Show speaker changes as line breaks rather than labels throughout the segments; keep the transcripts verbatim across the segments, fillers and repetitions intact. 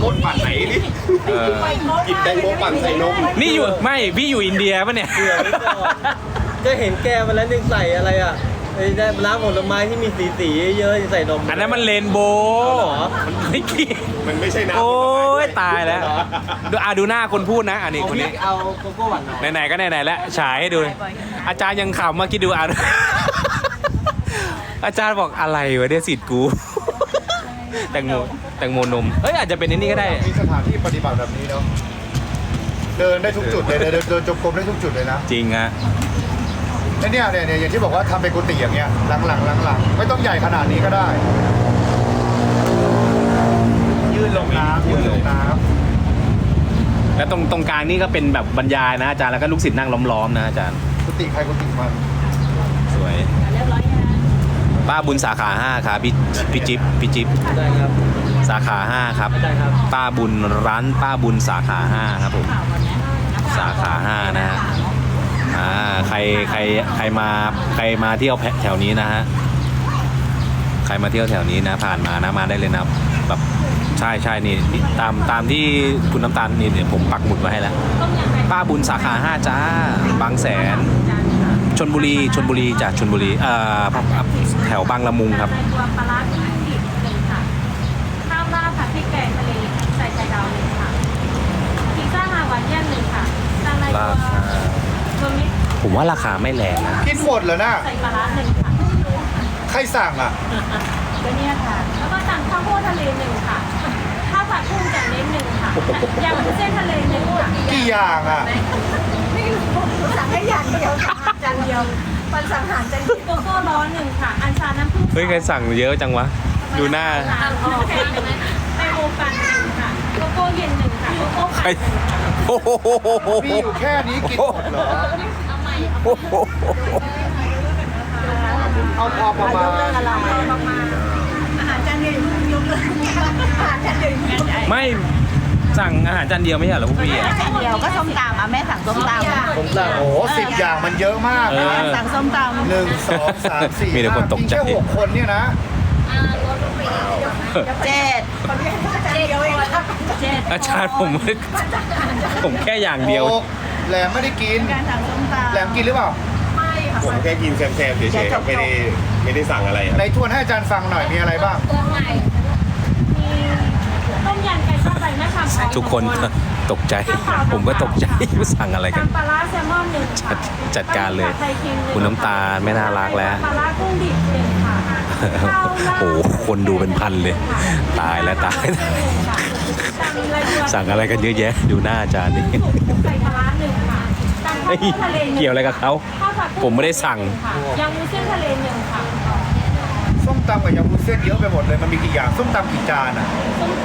มดปั่นไหนนี่กินแตงโมปั่นใส่นม
นี่อยู่ไม่พี่อยู่อินเดียปะเนี่ย
ก็เห็นแกมาแล้วนึงใส่อะไรอ่ะไอ้ได้น้ำผลไม้ที่มีสีสีเยอะๆใส่นม
อันนั้นมันเรนโบว์มันไม่เกี่ยว
มันไม่ใช่น้ำ
โอ้ยตายแล้วดูอ่ะดูหน้าคนพูดนะอันนี้คนนี้
เอาโกโก้หวานน้อย
ไหนๆก็ไหนๆแล้วฉายให้ดูอาจารย์ยังขำมาคิดดูอ่ะอาจารย์บอกอะไรวะเนี่ยสิทธิ์กูแตงโมแตงโมนมเฮ้ยอาจจะเป็นนี่ก็ได้
มีสถานที่ปฏิบัติแบบนี้เนาะเดินได้ทุกจุดเลยเดินเดินจงกรมได้ทุกจุดเลยนะ
จริงฮะ
แล้วเนี่ยเนี่ยอย่างที่บอกว่าทำเป็นกุฏิอย่างเงี้ยหลังๆหลังๆไม่ต้องใหญ่ขนาดนี้ก็ได้ยื่นลงน้ำยื่นลงน้
ำแล้วตรงตรงกลางนี่ก็เป็นแบบบรรยายนะอาจารย์แล้วก็ลูกศิษย์นั่งล้อมๆนะอาจารย์
กุฏิใครกุฏิมัน
สวยป้าบุญสาขาห้าครับพี่พี่จิ๊บพี่จิ๊บ
ได้ครับ
สาขาห้าครับป้าบุญร้านป้าบุญสาขาห้าครับผมสาขาห้านะฮะอ่าใครใครใครมาใครมาเที่ยวแถวนี้นะฮะใครมาเที่ยวแถวนี้นะผ่านมานะมาได้เลยนะแบบใช่ใช่นี่ตามตามที่คุณน้ำตาลนี่เดี๋ยวผมปักหมุดไว้ให้แล้วป้าบุญสาขาห้าจ้าบางแสนชลบุรีชลบุรีจากชลบุรีเอ่อแถวบางละมุงครับ
ตัวปลาร้าที่ผิดหนึ่งค่ะข้าวราดผัดพริกแกงทะเลใส่ไข่ดาวหนึ่งค่ะพิซซ่าฮาวายเอียนหนึ่งค่ะจานละตัวมิก
ผมว่าราคาไม่แรงนะ
กินหมดเหรอนะ
ใส่ปลาร้าหนึ่งค่ะ
ใครสั่งอ่ะ
ก็เนี่ยค่ะแล้วก็สั่งข้าวโพดทะเลหนึ่งค่ะข้าวผัดกุ้งจากเน้นหนึ่งค่ะยำวุ้นเส้นทะเลหนึ่งค่ะ
กี่อย่างอ่ะ
ไม่รู้สั่งแค่อย่างเดียวจานเดียวมันสั่งอาหารจานโกโก้ร้อนหนึ่งค่ะอัญชันน้ำผึ้ง
เฮ้ยใครสั่งเยอะจังวะดูหน้า
ไอโอปันหนึ่งค่ะโกโก้เย็นหนึ่งค่ะโกโก้ปัน
โอ้โห
มีอยู่แค่นี้กินหมดเหรอ
เอาใหม่
เอาพอประมาณ
อาหารจานเดียวยกเลยอาหารจานเดียว
ไม่สั่งอาหารจานเดียวไม่ใช่เหรอพวกพี่อ่ะ
จานเดียวก็ส้มตำอ่ะแม่สั่งส้มตำ
ส้มตำโอ้โหสิบอย่างมันเยอะมากนะ
สั่งส้มตำ
หนึ่งสองสามสี่
มีแต่คนตกใจ
แค่หกคนเนี่ยนะ
เจ็ดเจ็ดเจ็ด
อาจารย์ผมผมแค่อย่างเดียว
แหลมไม่ได้กิน
การสั่งส้มตำ
แหลมกินหรือเปล่า
ไม่ค่ะ
ผมแค่กินแซมๆเฉยๆไม่ได้ไม่ได้สั่งอะไร
ในทวนให้อาจารย์ฟังหน่อยมีอะไรบ้าง
มีต้มยำไก่ทอดใบมะขาม
ทุกคนตกใจผมก็ตกใจว่าสั่งอะไรกัน
ปลาร้าแซลมอนหนึ่ง
จัดจัดการเลยคุณน้ำตาลไม่น่ารักแล้ว
ปลาร้ากุ้งดิบหนึ่งค่ะ
โอ้โหคนดูเป็นพันเลยตายแล้วตายสั่งอะไรกันเยอะแยะดูหน้าอาจารย์นี่เกี่ยวอะไรกับเขาผมไม่ได้สั่ง
ยำวุ้นเส้นทะเลหนึ่งค่ะ
ส้มตำกับยำวุ้นเส้นเยอะไปหมดเลยมันมีกี่อย่างส้มตำกี่จานอ่ะ
ส้มต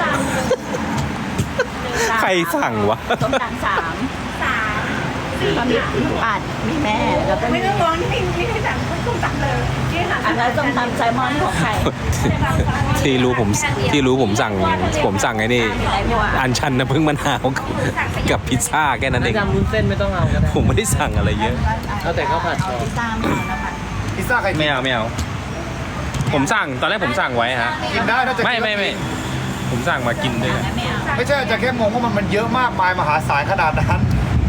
ำใครสั่งวะ
ส้มตำสามสามก็มีปัดมีแม่แล้วก็ไม่ต้องมองนี่ไม่ได้สั่งส้มตำเลยอันนั้นส้มตำไซมอนของใคร
ที่รู้ผมที่รู้ผมสั่งผมสั่งไอ้นี่อันชันน้ำผึ้งมะนาวกับพิซซ่าแค่นั้นเอง
จำวุ้นเส้นไม่ต้องเอาก็ได้
ผมไม่ได้สั่งอะไรเยอะ
เอาแต่ข้าวผัดพอ
พิซซ่า
พิซซ่าใคร
ไม่เอาไม่เอาผมสั่งตอนแรกผมสั่งไว้ฮะ
กินได้ถ้าจะ
ไม่ไม่ไม่ผมสั่งมากินด้วย
ไม่ใช่จะแค่งงว่ามันมันเยอะมากมายมหาศาลขนาดนั้น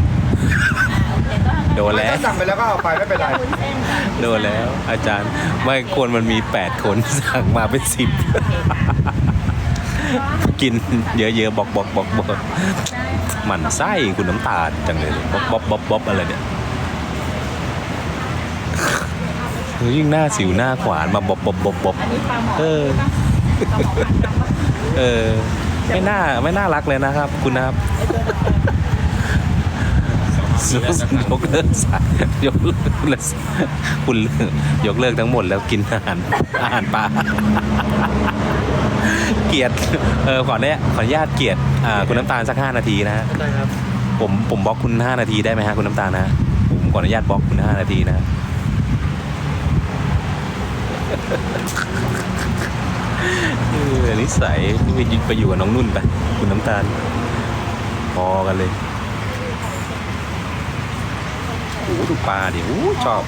โดนแล้ว
สั่งไปแล้วก็เอาไปไม่เป็นไร
โดนแล้วอาจารย์ไม่ควรมันมีแปดคนสั่งมาเป็นสิบกินเยอะๆบอกบอกบอกบอกหมั่นไส้คุณน้ำตาลจังเลยบ๊อบบ๊อบบ๊อบบ๊อบอะไรเนี่ยยิ่งหน้าสิวหน้าขวานมาบ๊อบบ๊อบบ๊อบบ๊อบเออเออไม่น่าไม่น่ารักเลยนะครับคุณนะครับยกเลิกสายยกเลิกคุณยกเลิกทั้งหมดแล้วกินอาหารอาหารปลาเกียรติเออขอเนี่ยขออนุญาตเกียรติอ่าคุณน้ำตาลสักห้านาทีนะฮะ
ได้ครับ
ผมผมบล็อกคุณห้านาทีได้ไหมฮะคุณน้ำตาลนะผมขออนุญาตบล็อกคุณห้านาทีนะเออนิสัยไปไปอยู่กับน้องนุ่นไปคุณน้ำตาลพอกันเลยโอ้ดูปลาดิโอ้ชอบ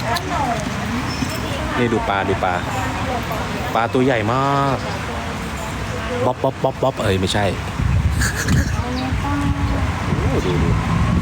นี่ดูปลาดูปลาปลาตัวใหญ่มากบ๊อบบ๊อบบ๊อบบ๊อบเอ้ยไม่ใช่โอ้ดูดู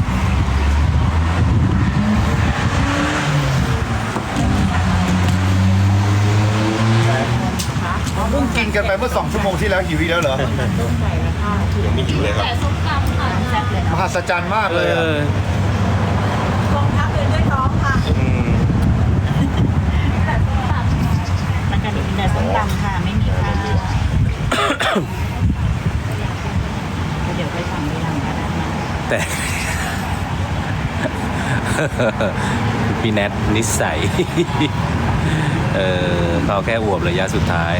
เพิ่งกินกันไปเมื่อสองชั่วโมงที่แล้วหิวอีกแล้วเหรอ
ยังไม่หิวเลยครับ
แต่ส้มตำค่ะแซ่บเลย
มหัศจรรย์มาก
เอ
เลยอะ
อ
กองทัพเลยด้วยท้องค่ะ
อืม
แต่ส้มตำ
มันจะมีแต่ส้มตำค่ะ ไม่มีข้าวเดี๋ยวไปสั่งทีหลังก็ได้นะ
แต่ พี่แนทนิสัย เออเขาแค่อวบระยะสุดท้าย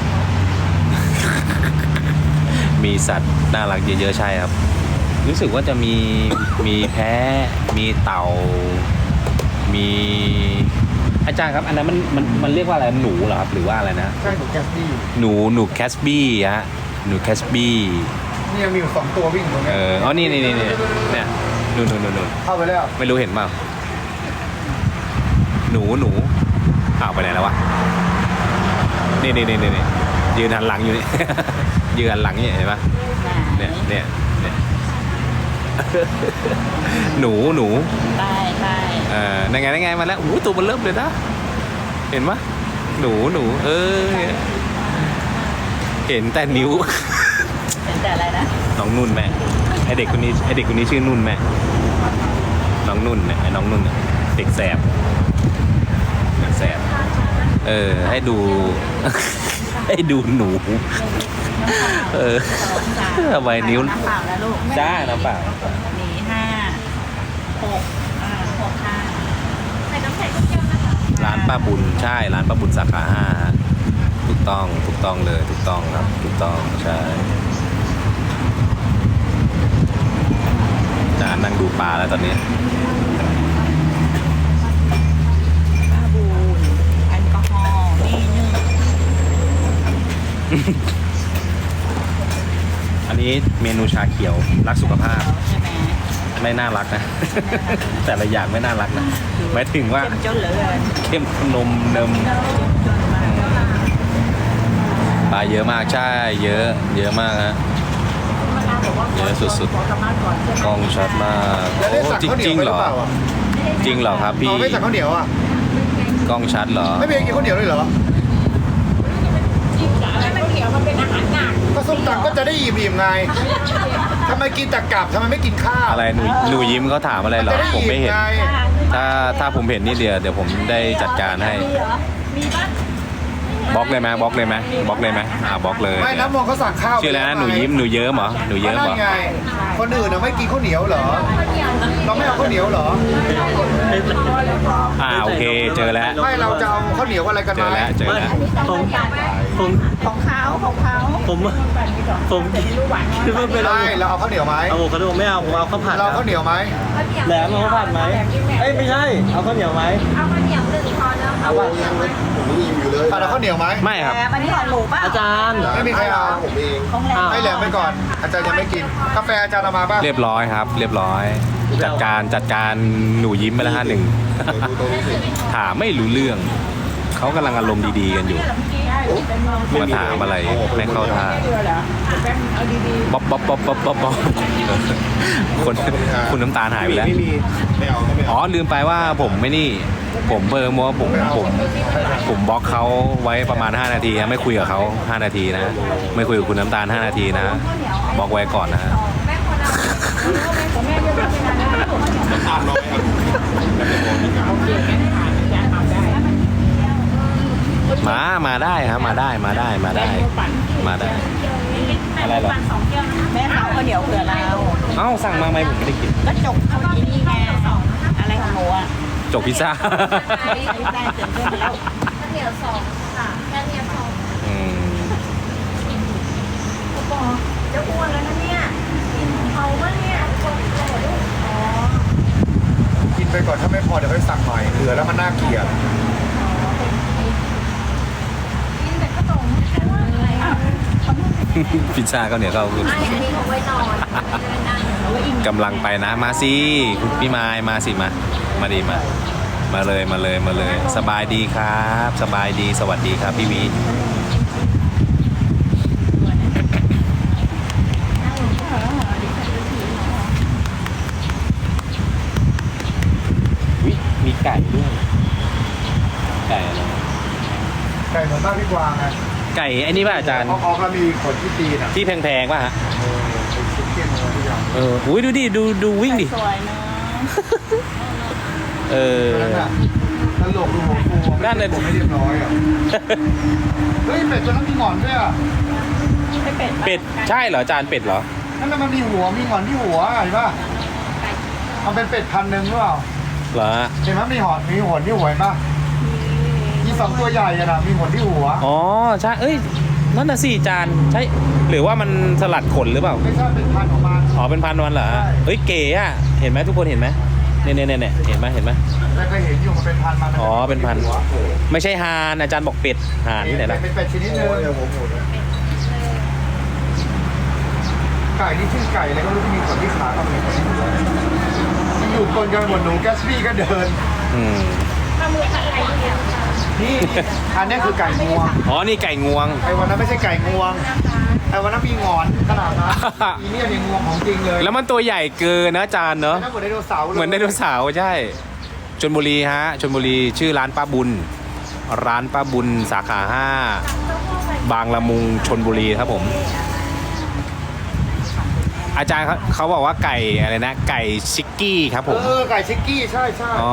มีสัตว์น่ารักเยอะๆใช่ครับ รู้สึกว่าจะมีมีแพะมีเต่า มีอาจารย์ครับอันนั้นมันมันมันเรียกว่าอะไรหนูเหรอครับหรือว่าอะไรนะ
ใช่ถูกแกสบี้
หนูหนูแคสบี้ฮะหนูแคสบี้
นี่ยังมีอยู่สองตัววิ่งอยู่ตรง
เอ
เนี้ย
ออ๋อนี่นี่นี่นี่เนี่ยนู่นนู่นนู่นนู่น
เข้าไปแล้ว
ไม่รู้เห็นเปล่าหนูหนูอ้าวไปไหนแล้ววะนี่นี่นี่นี่ยืนหันหลังอยู่นี่ ยืนหันหลังนี่เห็นปะเนี่ยเนี่ยเนี่ย หนูหนู
ใช่ใช่
เออนั่นไงนั่นไงมาแล้วโอ้โหตัวมันเริ่มเลยนะเห็นปะหนูหนูเออเห็นแต่นิ้ว
เป็นแต่อะไรนะ
น้องนุ่นแม่ไอเด็กคนนี้ไอเด็กคนนี้ชื่อนุ่นแม่น้องนุ่นเนี่ยไอน้องนุ่นเนี่ยเด็กแสบเด็กแสบเออให้ดู ให้ดูหนู เออทำไมนิ้ว
น้ำเปล่าแล้วลูก
จ้าน้ำเปล่า
หนีห้าหกอ่าหกห้า
ใส่น้ำแข็งเยอะนะคะ
ร้านป้าบุญใช่ร้านป้าบุญสาขาห้าถูกต้องถูกต้องเลยถูกต้องครับถูกต้องใช่จานนั่งดูปลาแล้วตอนนี้
ป้าบูนแอลกอฮอล์นี่นึ่ง
อันนี้เมนูชาเขียวรักสุขภาพ
ใช่ไหม
ไม่น่ารักนะ แต่ละอย่างไม่น่ารักนะหมายถึงว่า
เข้มจนเหลือเกิน
เข้มนมเนม
จนมาก
ปลาเยอะมากใช่เยอะ เยอะมากฮะเยอะสุดๆกล้องชัดมาก
แล้วได้
โอ้
สั่ง
จริง
ข้าวเหนี
จ
ยว
ริง
ไป
เห
ห
ร
รือ
อ
เปล่าอ่ะ
จริงเหรอครับพี่
เราไม่สั่งข้าวเหนียวอ่ะ
กล้องชัดเหรอ
ไม่มีกินข้าวเหนียวเลยเหรอก็ส้มตำก็จะได้อิ่มๆไงทำไมกินแต่กลับทำไมไม่กินข้าว
อะไรหนูหนูยิ้มเขาถามอะไรเหรอ
จะได้
ผมไม่เห็น
ไง
ถ้าถ้าผมเห็นนี่เดียวเดี๋ยวผมได้จัดการให้บล็อกเลยไหมบล็อกเลยไหมบล็อกเลยไหมอ่าบล็อกเลย
ไม่น้ำมองเขาสั่งข้าว
ชื่ออะไรนะหนูยิ้มหนูเยิ้มเหรอหนู
ก็
เยิ้ม
นั่
เหร
น
อ
ไง คนอื่นน่ะไม่กินข้าวเหนียวเหรอ เราไม่เอาข้าวเหนียวเหรอ
อ่าโอเคเจอแล้ว
ไม่เราจะเอาข้าวเหนียวอะไรกัน
เจอ
ไหม
แล้วเจอ
ไม่
แล้ว
ผมผม
ของเขาของเขา
ผมผมคิดว่าเป็น
ไม่เราเอาข้าวเหนียวไหม
อะโวคาโดไม่เอาผมเอาข้าวผัด
เราเอาข้าวเหนียวไหม
แหลมเอาข้าวผัดไหมเอ้ยไม่ใช่เอาข้าวเหนียวไหม
เอาข้าวเหนียวหนึ่งพอแล้ว
เอาป่ะ
อ่ะเราข้าวเหนียวไหม
ไม่ครับ
แหมอันนี้ของหมูป่ะ
อาจารย์
ไม่มีใครเอา
ของแหลม
ให้แหลมไปก่อน อาจารย์ยังไม่กิน กาแฟอาจารย์เอามาป่ะ
เรียบร้อยครับ เรียบร้อย จัดการจัดการหนูยิ้มไปแล้วฮะหนึ่ง ถามไม่รู้เรื่อง เขากำลังอารมณ์ดีๆกันอยู่ มาถามอะไรไม่เข้าท่าบ๊อบบ๊อบบ๊อบบ๊อบบ๊อบบ๊อบคนคุณน้ำตาลหายไปแล้ว
ไม่มีไม่เอาก็ไม่
อ๋อ
เอา
ลืมไปว่าผมไม่นี่ ผมเบอร์มัวผมผมผมบล็อกเขาไว้ประมาณห้านาทีนะไม่คุยกับเขาห้านาทีนะ ไม่คุยกับคุณน้ำตาลห้านาทีนะบล็อกไว้ก่อนนะฮะ
แม่คนเอาของแม่เยอะๆไปนานแล้ว
น้ำตาลน้อยครับ
มา มาได้ครับ มาได้ มาได้ มาได้ มาได้ อะไรเหรอ
สองแก้วนะคะ
แม่เขาข้าวเหนียวเผื่อเรา
เอ้า สั่งมาไหมผมไม่ได้กิน
ก็จกเข้าที่นี่ไงอะไรของหนูอ่ะ
จกพิซซ่า
ได้เต็มที่แล้ว
ข้าวเหนียวสองค่ะแค่เนี้ยสอง
อืม
บอกจะอ้วนแล้วนะเนี่ยกินเขาว่าเนี่ยโอ้โหอ๋อ
กินไปก่อนถ้าไม่พอเดี๋ยวค่อยสั่งใหม่เหลือแล้วมันน่าเกลียด
กินแต่ขนมแค่ว่าอะไรอ่ะ
พิซซ่าก็เนี่ยก็
ไม่อันนี้เอาไว้นอนไม่ได้นั่ง
กำลังไปนะ มาสิคุณพี่ไม้มาสิมา มาดีมา มาเลยมาเลยมาเลย สบายดีครับ สบายดีสวัสดีครับพี่วี
เ
ไก่ด้วยไก่อะไร
ไก่เหมือนบ้านพี่กวางไง
ไก่ไอ้นี่ป่ะอาจารย์
ออกแล้วมีขนที่ตีนอ่ะ
ที่แพงๆป่ะฮะ
เออเป็นชิ้นเทียนอะไรทุกอย่าง
เอออุ้ยดูดิดูดูวิ่งดิ
สวยเนอะ
เออ
นั่นน่ะตลกดูหัวฟู
นั่นน่ะ
ผมไม่เรียบร้อยอ่ะเฮ้ยเป็ดตัวนั้นมีหงอนด้วยอ่ะ
ไม่เป็ด
เป็ดใช่เหรออาจารย์เป็ดเหรอ
นั่นน่ะมันมีหัวมีหงอนที่หัวเห็นป่ะมันเป็นเป็ดพันธุ์หนึ่งหรือเปล่า
เหรอ
เห็นไหมมีหอนมีหนที่หัวเห็นป่ะมีสองตัวใหญ่อะนะมีหนที่หัว
อ๋อใช่เอ้ยนั่นน่ะสิอาจารย์ใช่หรือว่ามันสลัดขนหรือเปล่า
ไม่ใช่เป็นพันธุ์ของมัน
อ๋อเป็นพันวันเหรอ
ใช่
เฮ้ยเก๋อะเห็นไหมทุกคนเห็นไหมเนี่ยเนี่ยเนี่ยเห็นไหมเห็นไหม
แต่เคยเห็นอยู่มันเป็นพันธุ์มัน
อ๋อเป็นพันธุ์ ไม่ใช่ฮานอาจารย์บอกเป็ดฮานที่ไหนล่ะ
เป็นเป็ดชนิดหนึงไก่นี่ชื่อไก่อะไรก็ไม่รู้ที่มีขนที่ขากับมืออยู่คนกันหมดหนูแกสบี้ก็เดิน
อืม
นี่อันนี้คือไก่งวง
อ๋อนี่ไก่งวง
ไอ้วันนั้นไม่ใช่ไก่งวงไอ้วันนั้นมีหงอนขนาดนั้นอีเนี่ยเนี่ยงวงของจริงเลย
แล้วมันตัวใหญ่เกินนะอาจารย์เนอะ
แล้วเหมือนไดโนเสาร์เลย
เหมือนไดโนเสาร์ใช่ชลบุรีฮะชลบุรีชื่อร้านป้าบุญ ร้านป้าบุญสาขาห้าบางละมุงชลบุรีครับผม อาจารย์เขาเขาบอกว่าไก่อะไรนะ ไก่ชิกกี้ครับผม
เออไก่ชิกกี้ใช่ใช่
อ๋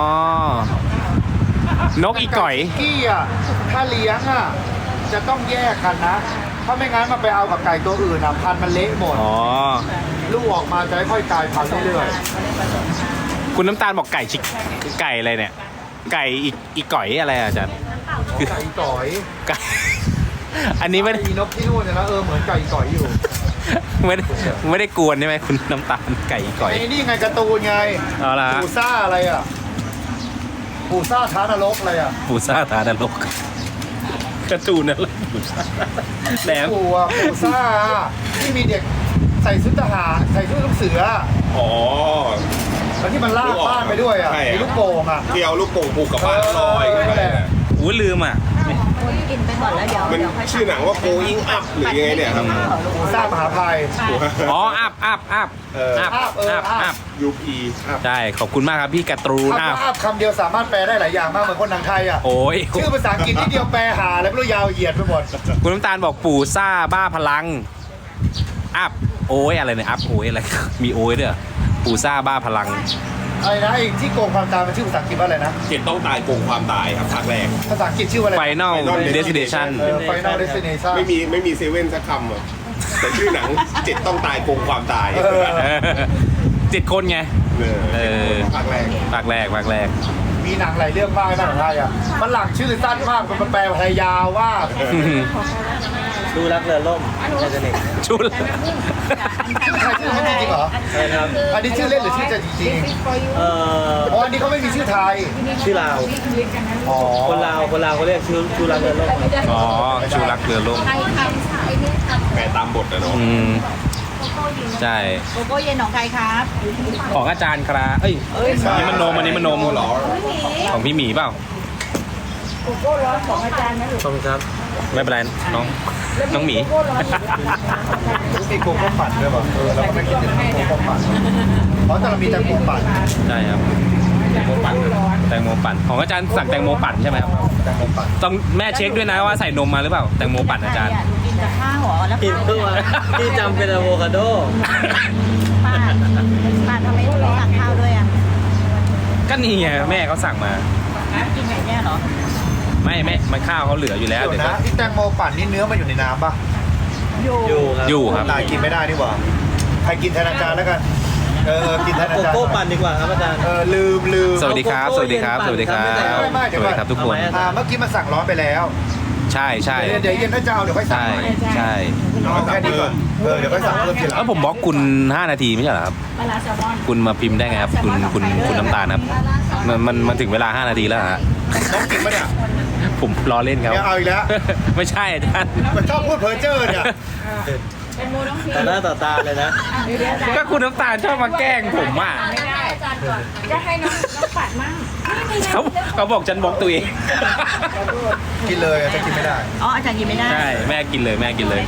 อนกอีก่อย
ไชิกกี้อ่ะถ้าเลี้ยงอ่ะจะต้องแยกกันนะถ้าไม่งั้นมันไปเอากับไก่ตัวอื่นอ่ะพันธุ์มันเละหมด
อ๋อ
ลูกออกมาจะค่อยๆกลายพันธุ์เรื่อย
คุณน้ำตาลบอกไก่ชิกไก่อะไรเนี่ย ไก่อีอีก่อยอะไรอะอาจารย์
ๆไก่ก่อย
ไก่ อันนี้ไม่ได้
มีนกที่นู่นเนี่ยนะเออเหมือนไก่ก่อยอยู่
ไม่ได้ไม่ได้กวนใช่ไหมคุณน้ำตาลไก่อีก่อย
ไอ้นี่ไงการ์ตูนไง
เอาละ
ปูซ่าอะไรอ่ะปูซ่าท้านรกอะไรอ่ะ
ปูซ่าทานรกการะตูนอะไรปูซ่าแหลม
ปูอ่ะปูซ่าที่มีเด็กใส่ชุดทหารใส่ชุดลูกเสือ
อ๋อ
แล้วที่มันลากบ้านไปด้วยอ่ะ
ใช่อะ
มีลูกโป่งอ่ะ
ที่เอาลูกโป่งผูกกับบ้านลอยขึ้นไป
เออ
น่ะ
อู้ลืมอ่ะ
กินไปก่อนแล้วเดี๋ยว
มัน
เดี๋ยวค่อย
ชื่อหนังว่า going up หรือยังไงเนี่ยครับ
ปูซ่ามหาภัย
อ๋ออัพอัพอัพ
เออ
อัพ
อัพเอออั
อัพ
พ
อัพ
ยูพีอัพ
ใช่ขอบคุณมากครับพี่การ์ตูน
คำ
อัพ
ว่าอัพคำเดียวสามารถแปลได้หลายอย่างมากเหมือนคนทางไทยอ่ะ
โอ้ย
ชื่อภาษาอังกฤษนิดเดียวแปลหาแล้วไม่รู้ยาวเหยียดไปหมด
คุณน้ำตาลบอกปู่ซ่าบ้าพลัง อัพโอ้ยอะไรเนี่ยอัพโอ้ยอะไร มีโอ้ยด้วยเหรอปู่ซ่าบ้าพลัง
อะไรนะไอ้ที่โกงความตายมันชื่อภาษาอังกฤษว่าอะไรนะ
เจ็ดต้องตายโกงความตายครับภาคแรก
ภาษาอังกฤษชื่อว่าอะไร
Final
Final
Destination
เออ Final Destination
ไม่มีไม่มีเซเว่นสักคำอ่ะแต่ชื่อหนังเจ็ดต้องตายโกงความตาย
เออ
เจ็ดคนไง
เออ
เออ
ภาคแรก
ภาคแรกภาคแรก
มีหนังหลายเรื่องมากในภาษาไทยอ่ะมันหลังชื่อสั้นมากมันแปลไทยยาวว่า
ดูรักเรือล่มไททานิค
ชุด
ใครชื่อมันจริงๆเหรอ
ใช่ครับ
อันนี้ชื่อเล่นหรือชื่อจริง
เอ่อ
ๆอ๋ออันนี้เขาไม่มีชื่อไทย
ชื่อลาว
อ๋อ
คนลาวคนลาวเขาเรียกชื่อชื่อรักเรือล่มครับ
อ๋อชูรักเรือล่ม
แปลตามบทอะเนาะ
อืมใช่
โกโก้เย็นของใครครับ
ของอาจารย์ครับเอ้ยอันนี้มันนมอันนี้มันนม
เหรอ
ของพี่หมีเปล่า
โกโก้ร้อนของอาจารย์นะลูก
ขอบคุณครับ
ไม่เป็นไรน้องน้องหมี
มีโกโก้ปั่นด้วยป่ะเออเราก็ไม่คิดถึงโกโก้ปั่นเพราะแต่เรามีแต่โกโก้ปั่น
ใช่ครับแตงโมปั่นแตงโมปั่นของอาจารย์สั่งแตงโมปั่นใช่ไหมครับ
แต่โกโก้ปั่น
ต้องแม่เช็คด้วยนะว่าใส่นมมาหรือเปล่าแตงโมปั่นอาจารย์
กินกับข้าวเหรอแล้ว
กิน
ข้าว
เพิ่งมาที่จำเป็นอะโวคาโด
ป้าป้าทำไมถึงสั่งข้าวด้วยอ่ะ
ก็นี่ไงแม่เขาสั่งมา
กินแบบเนี้ยเหรอ
ไม่แม่มันข้าวเขาเหลืออยู่แล้ว
เดี๋ยว
เดี๋ยว
นะ
ก็
ที่แตงโมปั่นนี่เนื้อมันอยู่ในน้ำป่ะ
อยู่
อยู่ครับ
อยู่ครับ
ตายกินไม่ได้นี่หว่าใครกินแทนอาจารย์แล้วกันเออกินแทนอา
โก
จารย์
โก้ปั่นดีกว่าครับอาจารย์
เออลืมลืม
สวัสดีครับ สวัสดีครับ สวัสดีครับ
ไม่ไม่เดี๋
ส
ยวก่
วั
อน
สดีครับทุกคน
เอาไหม
อ่าเมื่อกี้มันสั่งร้อนไปแล้ว
ใช่ใช่
เดี๋ยวเดี๋ยวเย็นถ้าจะเอาเดี๋ยวค่อยสั่ง
ใช่
ใหม่
ใช่
เอาแค่นี้ก่อนเออเดี๋ยวค่อยสั่งเพิ่มทีหลัง
แล้วผมบล็อกคุณห้านาทีไม่ใช่เหรอครับ
ปลาร้าแซลมอน
คุณมาพิมพ์ได้ไงครับ คุณคุณคุณน้ำตาลครับ มันมันมันถึงเวลาห้านาทีแล้วเหรอฮะ
น้องกินปะเนี่ย
ผมล้อเล่นครับ
เนี่ยเอาอีกแล้ว
ไม่ใช่อาจารย์
มันชอบพูดเพ้อเจ้อเนี่ย
ต่อหน้าต่อตาเลยนะ
ก็คุณน้ำตาลชอบมาแกล้งผมอ่ะ
ไม่ได้อาจารย์ก่อนจะให้น้องน้องปัดมั่ง
เขาเขาบอกฉันบล็อกตัวเอง
กินเลยอะจะกินไม่ได้
อ๋ออาจารย์กินไม่ได้
ใช่แม่กินเลยแม่กินเลย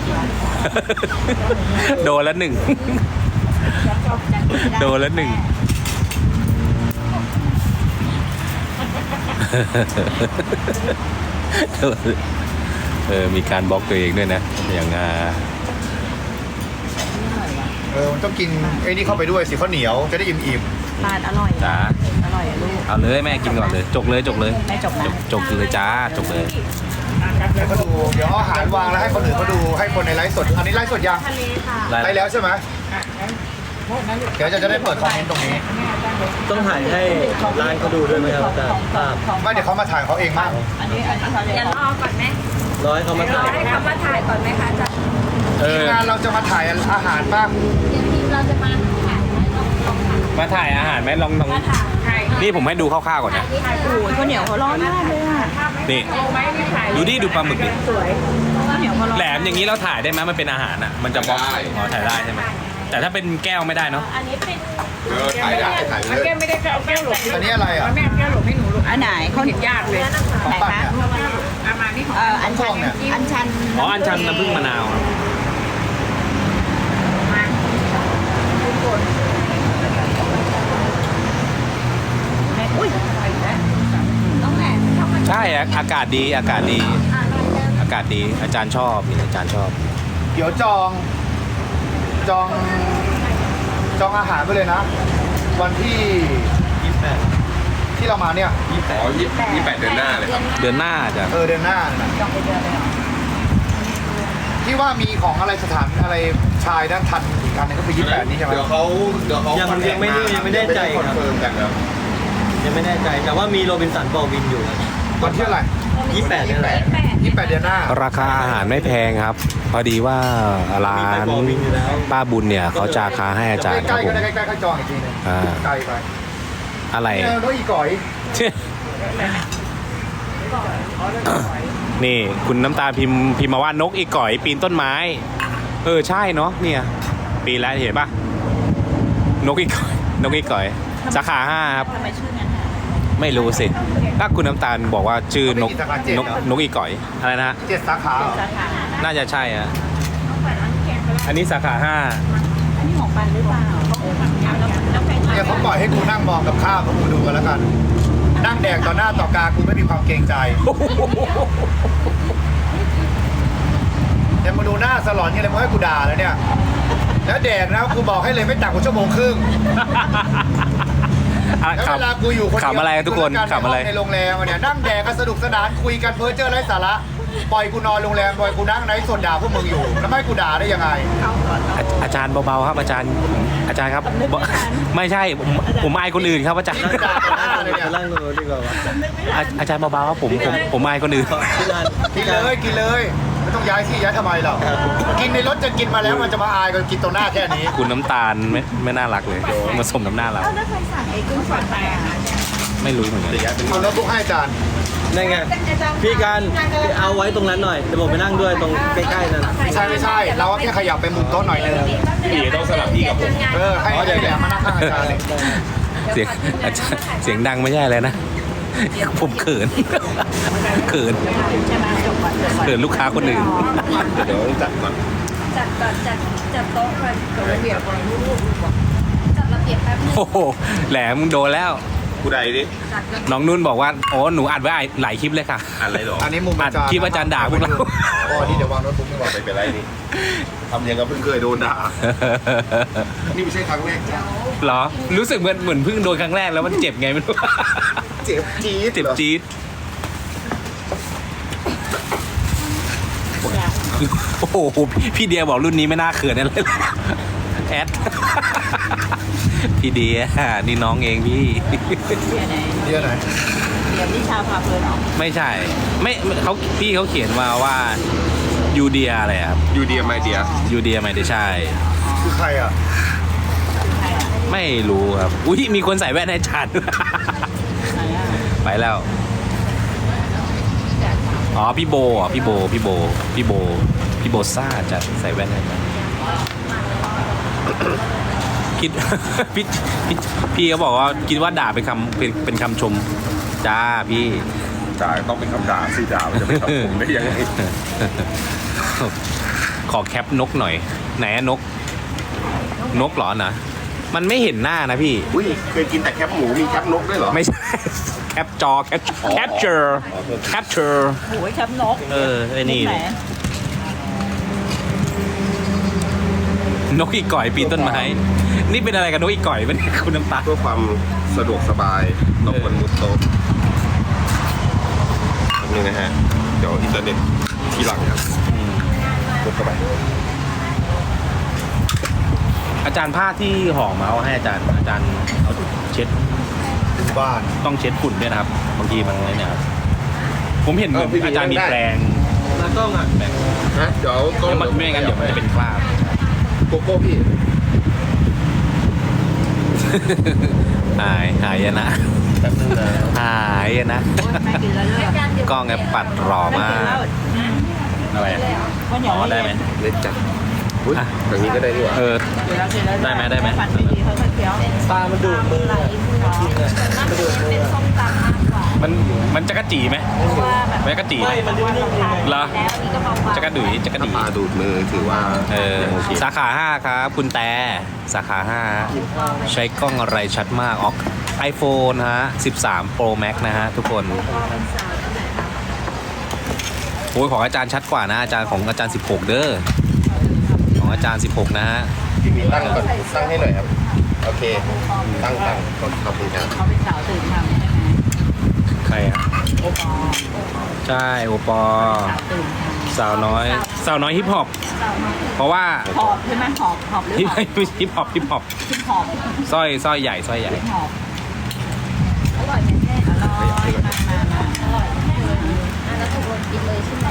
โดนแล้วหนึ่ง โดนแล้วหนึ่งเออมีการบล็อกตัวเองด้วยนะอย่างอ่า
เออมันต้องกินไอ้นี่เข้าไปด้วยสิข้าวเหนียวจะได้อิ่ม
ปาดอร่อย
จ้า
อร่อยอะลูก
เอาเลยแม่กินก่อนเลย จกเลยจกเลย
ไม่จบนะ
จกจกเลยจ้าจกเลย
ๆให้เขาดูเดี๋ยวเอาอาหารวางแล้วให้คนอื่นเขาดูให้คนในไลฟ์สดอันนี้ไลฟ์สดยัง
ทะเลค่ะ
ได้
ไลฟ์แล้วใช่ไหมเดี๋ยวจะจะได้เปิดคอมเมนต์ตรงนี้
ต้องถ่ายให้ร้านเขาดูด้วยไหมครับอาจารย์ภาพ
ไม่เดี๋ยวเขามาถ่ายเขาเองมาก
อันนี้อันนี้เขาเรีย
เดี๋ยว
ก
รอก่อนไหม
ร้อยเขามาถ่าย
ให้เขามาถ่ายก่อนไหมคะอาจารย์
เอ
ที
อ
มงานเราจะมาถ่ายอาหารบ้าง
เดี๋ยวทีมเราจะมาถ่ายลองลองถ่าย
มาถ่ายอาหารไหมลองลอง
มาถ่าย
นี่ผมให้ดูคร่าวๆก่อนนะ
ถ่าย
โอ้ยข้าวเหนียวเขาร้อนมากเลยอ่ะ
นี่
ไว้ไม่ถ่าย
ดูดิดูปลาหมึกดิ
ข้าวเหนียวเขาร้อน
แหลมอย่างนี้เราถ่ายได้ไหมมันเป็นอาหารอ่ะมันจะบล็อกอ๋อถ่ายได้ใช่ไหมแต่ถ้าเป็นแก้วไม่ได้เนาะ
อันนี้เป็น
เออถ่ายได้ถ่ายเลย
แก้วไม่ได้ก็เอาแก้วหลบ
อันนี้อะไรอ่ะ
แม่เอาแก้วหลบให้หนูลูก
อันไหนเขา
เห็นยากเลย
ของ
ไหน
ปั่น
คะ
เนี่ย
เอามานี่ของ
เอ่ออันชันอันชัน
อ๋ออันชันน้ำผึ้งมะนาวครับ
อุ้ย
ต้องแหลมเข้ามา
ใช่อะอากาศดีอากาศดี อากาศดีอาจารย์ชอบนี่อาจารย์ชอบ
เดี๋ยวจองจองจองอาหารไปเลยนะ วันที่ยี่สิบแปดที่เรามาเนี่ย
อ๋อยี่ยี่แปดเดือนหน้าเลยครับ
เดือนหน้าจะ
เออเดือนหน้านะ
จองไปเดือนเลยเหรอ
ที่ว่ามีของอะไรสถานอะไรชายด้านทันอีกอันหนึงก็คือยี่สิบแปดนี่ใช่ไหม
เดี๋ยวเขาเดี๋ยวเขา
ยัง
คอนแท
ยั
ค
งไม่ได้ยังไม่แน่ใจ
คอน
ครับ
เฟิร์มกันครับ
ยังไม่แน่ใจแต่ว่ามีโรบินสันบอลวินอยู่
วันที่อะไร
ยี่สิบแปดนี่แหละ
ยี่สิบแปดเดือนหน้า
ราคาอาหารไม่แพงครับ พอดีว่าร้า
มีไป
น
บอลวินอยู่แล้ว
ป้าบุญเนี่ยเขาจะราคาให้อาจารย์ค
ใก
รั
ล้
บ
ๆ
ผ
ก็
ม
ได้ใกล้ๆก็จองอีกทีหนึง
อ่า
ไกลไป
อะไร
เออรถอีก่อย
นี่คุณน้ำตาลพิมพ์พิมพ์มาว่านกอีก่อยปีนต้นไม้ เออใช่เนาะเนี่ยปีนแล้วเห็นปะนกอีก่อยนกอีก่อย สาขาห้าครับ
ทำไมชื่อนั้นอ่ะ
ไม่รู้สิถ้าคุณน้ำตาลบอกว่าชื่อนกนกนกอีก่อยอะไรนะ
เจ็ดสาขาเหรอ
สาขานะ
น่าจะใช่อะอันนี้สาขาห้า
อันนี้ของปันหรือเปล่าแล้วแล้วใคร
เนี่ยเขาปล่อยให้กูนั่งมองกับข้าวของกูดูกันแล้วกัน นั่งแดกต่อหน้าต่อกากูไม่มีความเกรงใจเดี๋ยวมาดูหน้าสลอนนี่เลยมึงให้กูด่าแล้วเนี่ย แล้วแดกนะกูบอกให้เลยไม่ต่ำกว่าชั่วโมงครึ่ง
อ่ะ
แล้ว
ขับ
เวลากูอยู่คนเดียว
ขับอะไรทุกคน
ยู่ด้วย
ขับอะไร
ในโรงแรมอะเนี่ยนั่งแดกกันสนุกสนานคุยกันเพ้อเจ้อไร้สาระปล่อยกูนอนโรงแรมปล่อยกูนั่งไนท์สดด่าพวกมึงอยู่แล้วไม่ให้กูด่าได้ยังไง
อาอาจารย์เบาๆครับอาจารย์อาจารย์ครับบอกไม่ใช่ผมผมอายคนอื่นครับอาจารย์
ด่าต่อหน้าเลยเนี่ย
ไปนั่งตรงนู้นดีกว่าวะ
อาอาจารย์เบาๆครับผมผมผมอายคนอื่น
ที่ร้าน
กินเลยกินเลยไม่ต้องย้ายที่ย้ายทำไมหรอกกินในรถจะกินมาแล้วมันจะมาอายกันกินตรงหน้าแค่นี้
คุณน้ำตาลไม่ไม่น่ารักเลยมาสมน้ำหน้าเรา
แล้วใครสั่งไอ้กุ้งสดไปอ่ะ
ไม่รู้เหมือนกัน
เอาโน้ตบุ๊กให้อาจารย์
นั่นไงพี่การเอาไว้ตรงนั้นหน่อยเดี๋ยวผมไปนั่งด้วยตรงใกล้ๆนั่น
ไม่ใช่ไม่ใช่ เราก็แค่ขยับไปมุมโต๊ะหน่อยนึง
พี่ต้องสลับที่กับผม
เออให้เดี๋ยวเดี๋ยวมานั่งข้างอาจารย์เลย
เสียงอาจารย์เสียงดังไม่ใช่อะไรนะผมเขินเขิน
ใช่ไหมจบก่อนจบก่อน
เขินลูกค้าคนอื่น
เดี๋ยวจัดก่อน
จัดก่อนจัดจัดโต๊ะก่อนจัดระเบียบจัดระเบียบแป๊บนึง
โอ้โหแหลมโดนแล้ว
ผู้ใดดิ
จัดก่อน
น้องนุ่นบอกว่าโอ้หนูอัดไว้หลายคลิปเลยค่ะ
อะไรหรอ
อันนี้มุม
อั
อา
ด
จารย์
คลิปอาจารย์ด่าพวกเรา
อ๋อนี่เดี๋ยววางโน้ตบุ๊กดีกว่า
ไม่เป็นไรนี่ทำยังกับเพิ่งเคยโดนด่า นี่ไม่ใช่ครั้งแรกจ้ะ
เหรอรู้สึกเหมือนเหมือนเพิ่งโดนครั้งแรกแล้วมันเจ็บไงไม่รู้
เจ็บจี๊ด
เจ็บจี๊ดโอ้โหพี่เดียบอกรุ่นนี้ไม่น่าเขินอะไรเลยแอดพี่เดียนี่น้องเองพี่
เดี๋ยวไหน
เดี๋ยวไหน
เดี๋ยวนิชาพาเพลินเหรอ
ไม่ใช่ไม่เขาพี่เขาเขียนมาว่ายูเดียอะไรครับ
ยูเดียไม่เดีย
ยูเดียไม่ได้ใช่
คือใครอ่ะ
ไม่รู้ครับอุ้ยมีคนใส่แว่นให้ฉัน
ไหนอ่ะ
ไปแล้ว อ๋อพี่โบอ่ะพี่โบพี่โบพี่โบพี่โบซ่าจัดใส่แว่นให้ฉันคิด พี่พี่พี่เขาบอกว่าคิดว่าด่าเป็นคำเป็นเป็นคำชมจ้าพี่
ด่าต้องเป็นคำด่าสิด่ามันจะเป็นคำผมได้ยังไง
ขอแคปนกหน่อย ไหนอะนก นกเหรอนะมันไม่เห็นหน้านะพี่
อุ้ยเคยกินแต่แคปหมูมีแคปนกด้วยเหรอ
ไม่ใช่ แคแคปจอแคปแคปเจอร์แคปเจอร์
โอ้ยแคปนก
เออไอ้นี่
ไหน
นกอีก่อยปีนต้นไม้ นี่เป็นอะไรกับนกอีก่อยเป็นคุณน้ำตาล
เพื่อความสะดวกสบายเราควรมุดโต๊ะแป๊บนึงนะฮะ เดี๋ยวอินเทอร์เน็ตที่หลังครับมุดเข้าไป
อาจารย์ผ้าที่ห่อมาเอาให้อาจารย์อาจารย์เอาเช็ด
บ้าน
ต้องเช็ดฝุ่นด้วยนะครับ บางทีมันอะไรเนี่ยครับผมเห็นเหมือน
เออพี่
อาจารย์มี
ได้
แปรง
แล้วกล้องอ่ะ
แปรง
ฮะเดี๋ยวก็
เดี๋ยวมันไม่งั้นเดี๋ยวมันจะเป็นคราบ
โกโก้พี่
หายหายนะ
แป๊บนึงนะ
หายนะ
ไม่กินแล้วเลย
กล้องแอปปัดหล่อมากอะไรอะ
ข้าวเหนีย
อ๋
ว
อได้ไหม
เล็กจัดอุ้ย
อ่ะ
ทางนี้ก็ได้ดีกว่า
เออ ได้ไหมได้ไหม
ฝันไม่ดีเขาก็เคี้ยว
ตามันดูดมืออะจริงอะมันดูดมือ
เป็น
อะ
ส้มตำมากกว่า
มันมันจะกระจีไหม
ว่าแบบ
ไม่กระจีไหม
ไม่มันนิ่มๆยังไง
เหรอ
แล้วอันนี้ก็เบาๆ
จะกระดุยจะกระ
ถ้า
ดี
ปลาดูดมือถือว่า
เออ
ยังโอเค
สาขาห้าครับ คุณแต่สาขาห้าใช้กล้องอะไรชัดมากอ๋อไอโฟนฮะสิบสาม Pro Max นะฮะทุกคนโอ้ยของอาจารย์ชัดกว่านะ อาจารย์ของอาจารย์สิบหกเด้อของอาจารย์สิบหกนะฮะ
พี่มีตั้งก่อนตั้งให้หน่อยครับ โอเค ตั้งตั้งขอบขอบคุณครับ
เขาเป็นสาวตื่นทำใช่ไหม
ใครอ่ะ
โอปอ
ใช่โอปอ
สาวตื่นท
สาวน้อย สาวน้อยฮิปฮอปเพราะว่า
ำหอบใช่ไหมหอบหอบหรือ
ฮิป
หอบ
ฮิปฮอปฮิปฮอป
ขึ้นหอบ
สร้อยสร้อยใหญ่สร้อยใหญ่
ขึ้นหอบ
อร่อยไหมแม่
อร่อยมามามา
อร่อยแม่เลยอ่ะแล้วตกลงกินเลยใช่ไหม